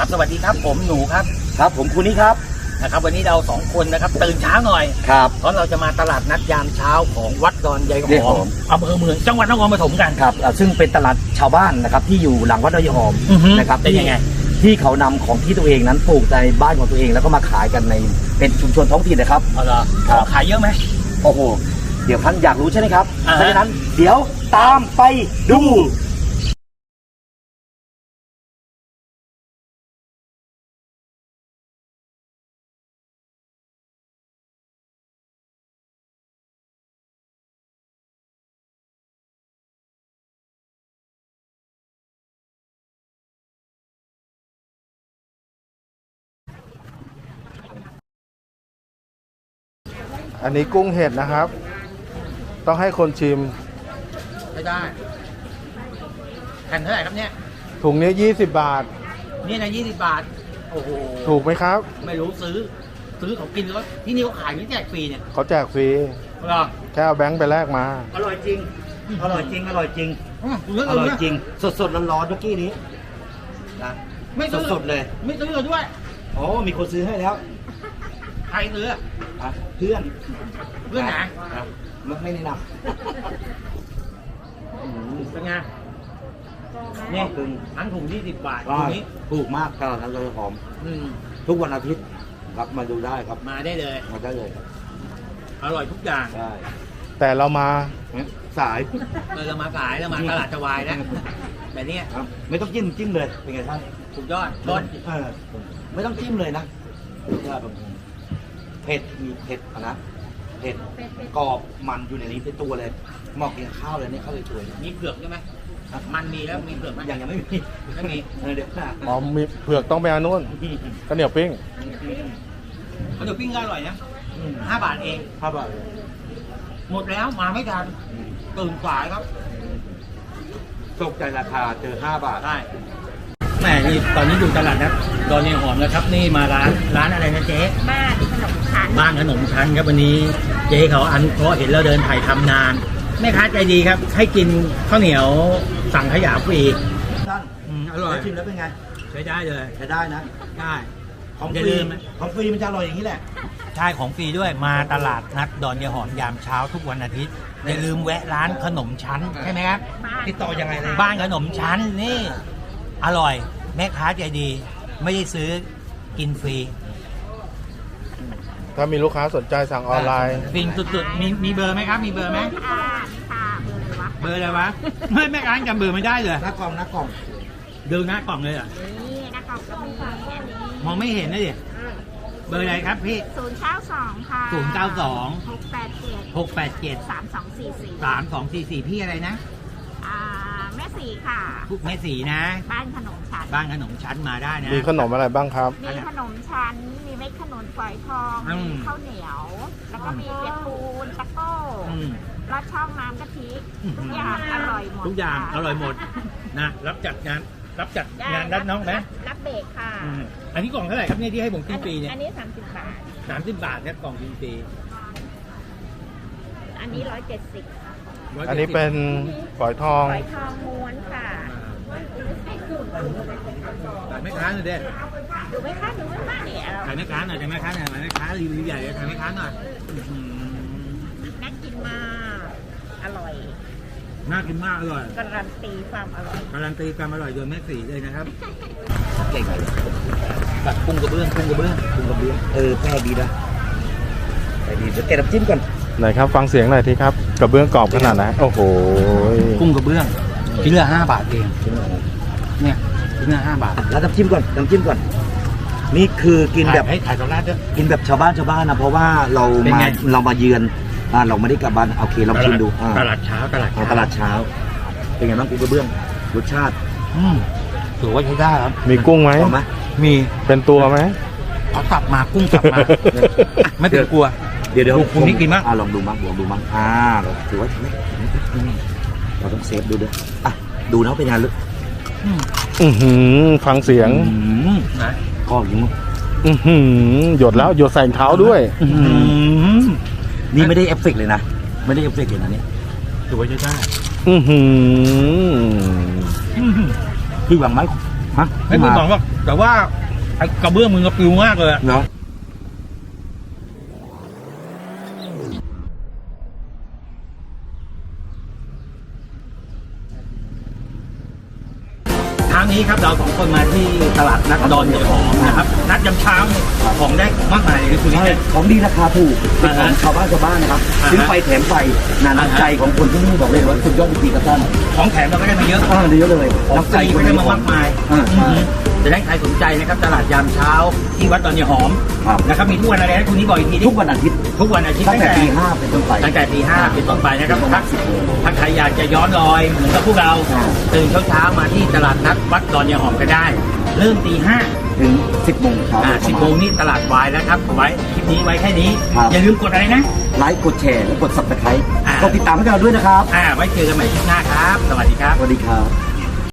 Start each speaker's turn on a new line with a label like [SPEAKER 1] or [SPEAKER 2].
[SPEAKER 1] ครับสวัสดีครับผมหนูครับ
[SPEAKER 2] ครับผมคุณนี่ครับ
[SPEAKER 1] นะครับวันนี้เราสองคนนะครับตื่นเช้าหน่อย
[SPEAKER 2] ครับ
[SPEAKER 1] เพราะเราจะมาตลาดนัดยามเช้าของวัดดอนยายห
[SPEAKER 2] ยายห
[SPEAKER 1] อ
[SPEAKER 2] อ
[SPEAKER 1] ม
[SPEAKER 2] ม
[SPEAKER 1] อำเภอเมืองจังหวัดนครปฐมกัน
[SPEAKER 2] ครับซึ่งเป็นตลาดชาวบ้านนะครับที่อยู่หลังวัดดอยหอม
[SPEAKER 1] อือฮึ
[SPEAKER 2] นะครับ
[SPEAKER 1] เป็นยังไง
[SPEAKER 2] ที่เขานำของที่ตัวเองนั้นปลูกในบ้านของตัวเองแล้วก็มาขายกันในเป็นชุมชนท้องถิ่นนะครับ
[SPEAKER 1] เอาละ
[SPEAKER 2] ครับ
[SPEAKER 1] ขายเยอะไหม
[SPEAKER 2] โอ้โหเดี๋ยวท่านอยากรู้ใช่ไหมครับ
[SPEAKER 1] อ่าฮะ
[SPEAKER 2] เพราะฉะนั้นเดี๋ยวตามไปดู
[SPEAKER 3] อันนี้กุ้งเห็ดนะครับ ต้องให้คนชิม
[SPEAKER 1] ไม่ได้แผ่นเท่าไหร่ครับเนี่ย
[SPEAKER 3] ถุงนี้20 บาท
[SPEAKER 1] นี่นะ20 บาทโอ้โห
[SPEAKER 3] ถูกไหมครับ
[SPEAKER 1] ไม่รู้ซื้อเขากินแล้วที่นี่เขาขายไม่แจกฟรีเนี่ย
[SPEAKER 3] เขาแจกฟรี
[SPEAKER 1] เหรอ
[SPEAKER 3] แค่เอาแบงค์ไปแลกมา
[SPEAKER 2] อร่อยจริงอร่อยจริงอร่อยจริง
[SPEAKER 1] เรื่อง
[SPEAKER 2] อร่อยจริงสดๆร้อนๆเมื่อกี้นี้นะ
[SPEAKER 1] ไม่ซื้อ
[SPEAKER 2] สดๆเลย
[SPEAKER 1] ไม่ซื้อด้วย
[SPEAKER 2] อ๋อมีคนซื้อให้แล้ว
[SPEAKER 1] ใครซื้อ
[SPEAKER 2] อ่ะเพื่อน
[SPEAKER 1] เพื่อนไหน
[SPEAKER 2] ครับไม่แนะนำ
[SPEAKER 1] เป็นไง
[SPEAKER 2] นี่
[SPEAKER 1] นี่
[SPEAKER 2] คือ
[SPEAKER 1] ทั้งถุง20 บาท
[SPEAKER 2] ก็
[SPEAKER 1] ถุงนี้
[SPEAKER 2] ถูกมากตลาดนัดดอยหอม
[SPEAKER 1] อืม
[SPEAKER 2] ทุกวันอาทิตย์ครับมาดูได้ครับ
[SPEAKER 1] มาได้เลย
[SPEAKER 2] มาได้เลยครับ
[SPEAKER 1] อร่อยทุกอย่าง
[SPEAKER 2] ได้
[SPEAKER 3] แต่เรามา
[SPEAKER 2] สาย
[SPEAKER 1] เรามาขายเรามาตลาดจะวายนะแต่เนี้ย
[SPEAKER 2] ครับไม่ต้องจิ้มเลยเป็นไงท่าน
[SPEAKER 1] สุดยอดต้น
[SPEAKER 2] ไม่ต้องจิ้มเลยนะยอดแบบเผ็ดมีเผ็ดนะเผ็ดกรอบมันอยู่ในนี้เป็นตัวเลยเหมาะกินข้าวเลยเนี่ยข้าวเลยตัวเลย
[SPEAKER 1] มีเผือกใช่ไหมมันมีแล้วมีเผือกไหม
[SPEAKER 2] ยังไม่มี
[SPEAKER 1] ไม่มี
[SPEAKER 2] เดี๋ยวนะ
[SPEAKER 3] อ๋อมีเผือกต้องไปอันนู้นข้าวเหนียวปิ้ง
[SPEAKER 1] ข้าวเหนียวปิ้งก็อร่อยนะ5 บาทเอง
[SPEAKER 2] ครับอ่ะ
[SPEAKER 1] หมดแล้วมาไม่ทันตื่นสายครับ
[SPEAKER 2] ตกใจราคาเจอ5 บาท
[SPEAKER 1] ได้แม่นี่ตอนนี้อยู่ตลาดนะดอนยายหอมนะครับนี่มาร้านอะไรนะเจ๊
[SPEAKER 4] บ้านขนมชั้น
[SPEAKER 1] บ้านขนมชั้นครับวันนี้เจ๊เขาอันเพราะเห็นเราเดินถ่ายทำนานแม่ค้าใจดีครับ ให้กินข้าวเหนียวสั่งขยะฟรี
[SPEAKER 2] ท่าน
[SPEAKER 1] อร่อย
[SPEAKER 2] ชิมแล้วเป็นไง
[SPEAKER 1] ใช้ได้เลย
[SPEAKER 2] ใช้ได้นะ
[SPEAKER 1] ได้
[SPEAKER 2] ของ
[SPEAKER 1] อย่า
[SPEAKER 2] ฟรี
[SPEAKER 1] ลืมนะ
[SPEAKER 2] ของฟรีมันจะอร่อยอย่างนี้แหละ
[SPEAKER 1] ใช่ของฟรีด้วยมาตลาดนัดดอนยายหอมยามเช้าทุกวันอาทิตย์อย่าลืมแวะร้านขนมชั้นใช่ไหมครับ
[SPEAKER 2] ติดต่อยังไงเลย
[SPEAKER 1] บ้านขนมชั้นนี่อร่อยแม่ค้าใจดี ไม่ได้ซื้อกินฟรี
[SPEAKER 3] ถ้ามีลูกค้าสนใจสั่งออนไลน์
[SPEAKER 1] ฟินสุดๆมีเบอร์ไหมครับ มีเบอร์ไหม
[SPEAKER 4] ค่ะเบอร์เลยวะ
[SPEAKER 1] เบอร์อะไรวะไม่แม่ค้าจำเบอร์ไม่ได้เลย
[SPEAKER 2] หน้ากล่องหน้ากล่อง
[SPEAKER 1] ดูหน้ากล่องเลยเหรอ่ะ
[SPEAKER 4] นี่นะคะก็มีอันนี้
[SPEAKER 1] มองไม่เห็นนะดิเบอร์อะไรครับพี่
[SPEAKER 4] 092 ค่ะ
[SPEAKER 1] 092
[SPEAKER 4] 687
[SPEAKER 1] 687
[SPEAKER 4] 3244
[SPEAKER 1] 3244พี่อะไรนะ
[SPEAKER 4] แม่สีค่ะ
[SPEAKER 1] แม่สีนะ
[SPEAKER 4] บ้านขนมชั้น
[SPEAKER 1] บ้านขนมชั้นมาได้นะ
[SPEAKER 3] มีขนมอะไรบ้างครับ
[SPEAKER 4] มีขนมชั้น มีเม็ดขนุนฝอยทอง
[SPEAKER 1] อืม
[SPEAKER 4] มีข้าวเหนียว แล้วก็มีเปียกปูนตะโก้
[SPEAKER 1] อืม
[SPEAKER 4] ลอดช่องน้ำกะทิ
[SPEAKER 1] อืม
[SPEAKER 4] ทุกอย่างอร่อยหมด
[SPEAKER 1] ทุกอย่าง
[SPEAKER 4] ค่ะ
[SPEAKER 1] อร่อยหมดนะรับจัดงานด้านน้องไหม
[SPEAKER 4] รับเบรกค่ะ
[SPEAKER 1] อันนี้กล่องเท่าไหร่ครับเนี่ยที่ให้ผมกินฟรีเนี่ย
[SPEAKER 4] อันนี้30 บาท
[SPEAKER 1] 30 บาทเนี่ยกล่องกินฟรี
[SPEAKER 4] อันนี้170
[SPEAKER 3] อันนี้เป็นฝอยทอง
[SPEAKER 4] ฝอยทองม้วนค่ะ
[SPEAKER 1] ถ่ายแม่ค้าหน่อยเด้
[SPEAKER 4] ดูไหมคะดูไหมคะเนี่ย
[SPEAKER 1] ถ่ายแม่ค้าหน่อยถ่ายแม่ค้าหน่อยถ่ายแม่ค้ารีวิวใหญ่เลยถ่ายแม่ค้าหน่อยอื้อหือ
[SPEAKER 4] น่ากินมาก อร่อย
[SPEAKER 1] น่ากินมากอร่อย
[SPEAKER 4] การันตีความอร่อย
[SPEAKER 1] การันตีความอร่อยโดยแม่สีเลยนะครับ
[SPEAKER 2] เก่งเลย
[SPEAKER 1] แบบกุ้งกระเบื้องกุ้งกระเบื้อง
[SPEAKER 2] คุณกระเบื้องแปลกดีนะแปลกดีเดี๋ยวแกะน้ำจิ้มก่อน
[SPEAKER 3] ไหนครับฟังเสียงหน่อยทีครับกระเบื้องกรอบขนาดไหนโอ้โห
[SPEAKER 1] กุ้งกระเบื้องชิ้นละ5 บาทเองเนี่ยชิ้นละ5 บาท
[SPEAKER 2] แล้วน้ำจิ้มก่อนน้ำจิ้มก่อน นี่คือกินแบบ
[SPEAKER 1] ให้ถ่ายตอนแรกด้วย
[SPEAKER 2] กินแบบชาวบ้านนะเพราะว่าเรา
[SPEAKER 1] เป็น
[SPEAKER 2] มา
[SPEAKER 1] ไง
[SPEAKER 2] เรามาเยือนเราไม่ได้กลับบ้านโอเคลองชิมดู
[SPEAKER 1] ตลาดเช้าตลาด
[SPEAKER 2] ตลาดเช้า เป็นไงบ้างคุณกระเบื้องรสชาติ
[SPEAKER 1] ถือว่าใช้ได้ครับ
[SPEAKER 3] มีกุ้งไหม
[SPEAKER 2] หอมไหม
[SPEAKER 1] มี
[SPEAKER 3] เป็นตัวไหม
[SPEAKER 1] เขาสับมากุ้งสับมา ไม่เป็นกลัว
[SPEAKER 2] เดี๋ยว
[SPEAKER 1] คุณนี่กินมั้ย
[SPEAKER 2] ลองดูมั้งเราถือว่าเราต้องเซฟดูด้วยดูนะเป็นไงลึก
[SPEAKER 3] อือหือฟังเสียง
[SPEAKER 1] นะ
[SPEAKER 2] ก็ยิง
[SPEAKER 3] อือหือหยดแล้วหยดใส่เท้าด้วย
[SPEAKER 2] นี่ไม่ได้เอฟเฟกต์เลยนะไม่ได้เอฟเฟกต์เลยนะเนี่ย
[SPEAKER 1] ถือว่าใช้ได้
[SPEAKER 3] อือหือ
[SPEAKER 2] พี่หวังไหมฮะ
[SPEAKER 1] ให้คุณบอกว่าแต่ว่าไอ้กระเบื้องมึงก็ปลิวมากเลยอะ
[SPEAKER 2] เนาะ
[SPEAKER 1] เช้านี้ครับเราสองคนมาที่ตลาดนัดดอนใหญ่หอมนะครับนัดยามเช้าเนี่ยของได้มากมายเลยคุณ
[SPEAKER 2] ใช่
[SPEAKER 1] นี่
[SPEAKER 2] ของดีราคาถูกเป็นของชาวบ้านนะครับ
[SPEAKER 1] อ่าฮะ
[SPEAKER 2] ซื้อไปแถมไปนาน้ำใจของคนที่นี่บอกเลยว่าสุดยอดจริงๆครับท่าน
[SPEAKER 1] ของแถมเราก็ได้มาเยอะ
[SPEAKER 2] เยอะเลย
[SPEAKER 1] ของฟรีก็ได้มามากมาย
[SPEAKER 2] อ่า
[SPEAKER 1] จะได้ใครสนใจนะครับตลาดยามเช้าที่วัดดอนใหญ่หอม
[SPEAKER 2] ครับ
[SPEAKER 1] นะครับมีทุกวันอะไรนะคุณนี่บอกอีกทีดิ
[SPEAKER 2] ทุกวันอาทิตย์
[SPEAKER 1] ทุกวันอาทิตย์
[SPEAKER 2] ตั้งแต่ตี 5เป็นต้นไป
[SPEAKER 1] ตั้งแต่ตี 5เป็นต้นไปนะครับ
[SPEAKER 2] ประมาณ10 โมง
[SPEAKER 1] ถ้าใครอยากจะย้อนรอยเหมือนกับพวกเรา
[SPEAKER 2] อ่า
[SPEAKER 1] ตื่นเช้าๆมาที่ตลาดนัดวัดดอนยายหอมก็ได้ เริ่มตี 5
[SPEAKER 2] ถึง 10 โมงเช้า
[SPEAKER 1] 10 โมงนี่ตลาดวายแล้วครับเอาไว้คลิปนี้ไว้แค่นี้
[SPEAKER 2] ครับ
[SPEAKER 1] อย่าลืมกดอะไรนะ
[SPEAKER 2] ไลค์กดแชร์และกด subscribe
[SPEAKER 1] อ่า
[SPEAKER 2] กดติดตามให้เราด้วยนะครับ
[SPEAKER 1] ไว้เจอกันใหม่คลิปหน้าครับ สวัสดีครับ
[SPEAKER 2] สวัสดีครับ